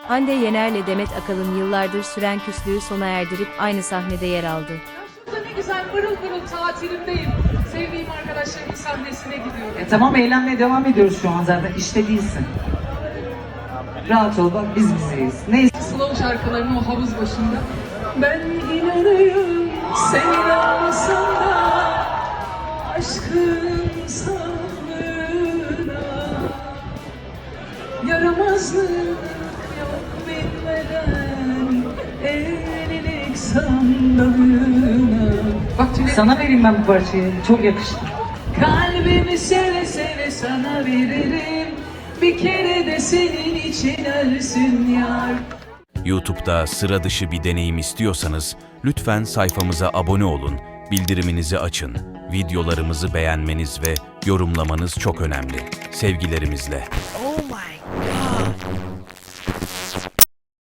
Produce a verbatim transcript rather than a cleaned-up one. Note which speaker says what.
Speaker 1: Hande Yener'le Demet Akalın yıllardır süren küslüğü sona erdirip aynı sahnede yer aldı.
Speaker 2: Şurada ne güzel pırıl pırıl tatilimdeyim. Sevdiğim arkadaşlarımın sahnesine gidiyorum.
Speaker 3: E tamam, eğlenmeye devam ediyoruz şu an zaten. İşte değilsin. Rahat ol, bak biz bizeyiz. Neyse.
Speaker 2: Slow şarkılarını o havuz başında. Ben inanıyorum senin olsan da aşkın sağlığına. Yaramazlık yok bilmeden evlilik sandalına. Bak Tülay,
Speaker 3: Sana vereyim ben bu parçayı. Çok yakıştı.
Speaker 2: kalbimi seve seve sana veririm. Bir kere de senin için ölsün yar.
Speaker 4: YouTube'da sıra dışı bir deneyim istiyorsanız lütfen sayfamıza abone olun, bildiriminizi açın. Videolarımızı beğenmeniz ve yorumlamanız çok önemli. Sevgilerimizle.
Speaker 1: Oh my